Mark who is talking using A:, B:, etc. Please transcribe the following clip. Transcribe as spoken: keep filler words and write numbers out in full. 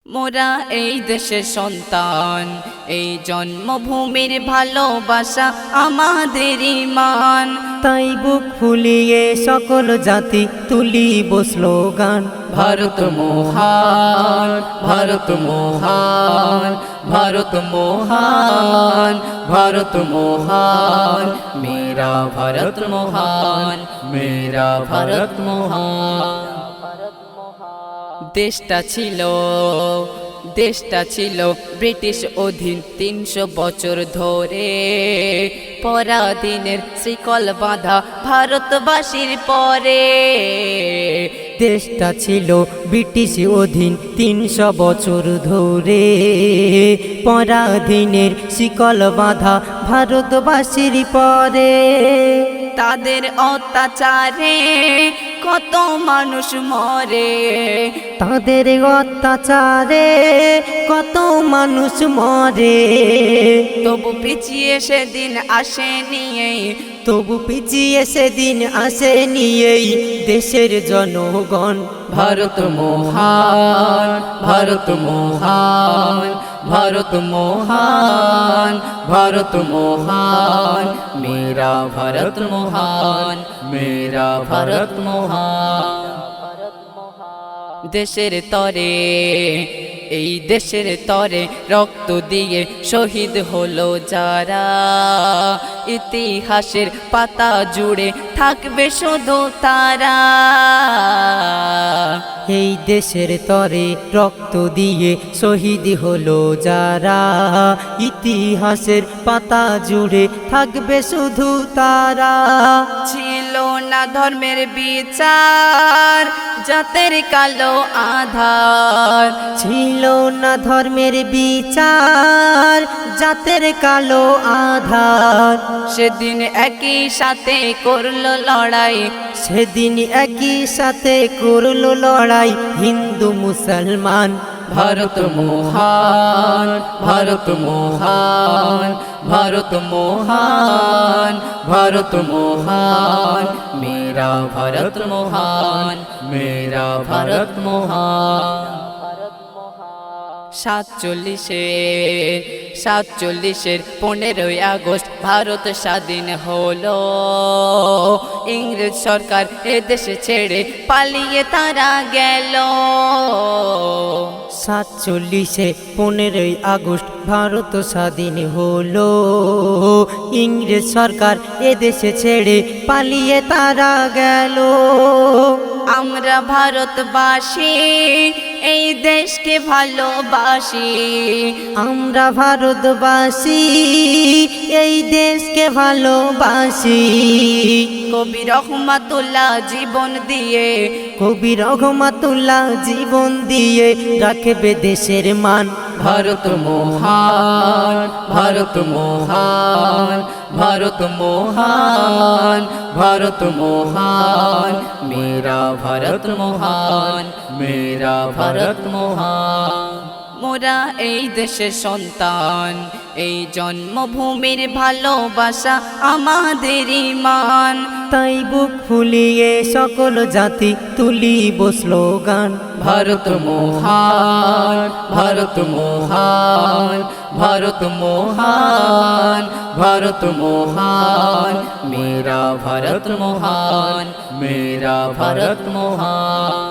A: মোরা এই দেশের সন্তান, এই জন্মভূমির ভালোবাসা আমাদের ঈমান।
B: তাই বুক ফুলিয়ে সকল জাতি তুলিব স্লোগান,
A: ভারত মহান, ভারত মহান, ভারত মহান, ভারত মহান, মেরা ভারত মহান, মেরা ভারত মহান। দেশটা ছিল দেশটা ছিল ব্রিটিশ অধীন তিনশো বছর ধরে, পরাধীনের শিকল বাঁধা ভারতবাসীর পরে।
B: দেশটা ছিল ব্রিটিশ অধীন তিনশো বছর ধরে, পরাধীনের শিকল বাঁধা ভারতবাসীর পরে।
A: তাদের অত্যাচারে কত মানুষ মরে,
B: তাদের অত্যাচারে কত মানুষ মরে।
A: তবু পিছিয়ে সেদিন আসেনি,
B: তবু পিছিয়ে সেদিন আসেনি এই দেশের জনগণ।
A: ভারত মহান, ভারত মহান, ভারত মহান, ভারত মহান, মেরা ভারত মহান, মেরা ভারত মহান। দেশের তরে, এই দেশের তরে রক্ত দিয়ে শহীদ হলো যারা, ইতিহাসের পাতা জুড়ে থাকবে শুধু তারা।
B: এই দেশের তরে রক্ত দিয়ে শহীদ হলো যারা, ইতিহাসের পাতা জুড়ে থাকবে শুধু তারা।
A: ছিল না ধর্মের বিচার, জাতের কালো আধার,
B: ছিল না ধর্মের বিচার, জাতের কালো আধার।
A: সেদিন একই সাথে করলো লড়াই,
B: সেদিন একই সাথে করলো লড়াই হিন্দু মুসলমান।
A: ভারত মহান, ভারত মহান, ভারত মহান, ভারত মহান, মেরা ভারত মহান, মেরা ভারত মহান। সাতচল্লিশের সাতচল্লিশের পনেরোই আগস্ট ভারত স্বাধীন হলো, ইংরেজ সরকার এদেশে ছেড়ে পালিয়ে তারা গেল।
B: সাতচল্লিশে পনেরোই আগস্ট ভারত স্বাধীন হলো, ইংরেজ সরকার এদেশে ছেড়ে পালিয়ে তারা গেল।
A: আমরা ভারতবাসী এই দেশকে ভালোবাসি,
B: আমরা ভারতবাসী এই দেশকে ভালোবাসি।
A: কবি রহমাতুল্লাহ জীবন দিয়ে,
B: কবি রহমাতুল্লাহ জীবন দিয়ে রাখবে দেশের মান।
A: ভারত মহান, ভারত মহান, ভারত মহান, ভারত মহান, মেরা ভারত মহান, মেরা ভারত মহান। মোরা এই দেশের সন্তান, এই জন্মভূমির ভালোবাসা আমাদের ঈমান।
B: তাই বুক ফুলিয়ে সকল জাতি তুলিব স্লোগান,
A: ভারত মহান, ভারত মহান, ভারত মহান, ভারত মহান, মেরা ভারত মহান, মেরা ভারত মহান।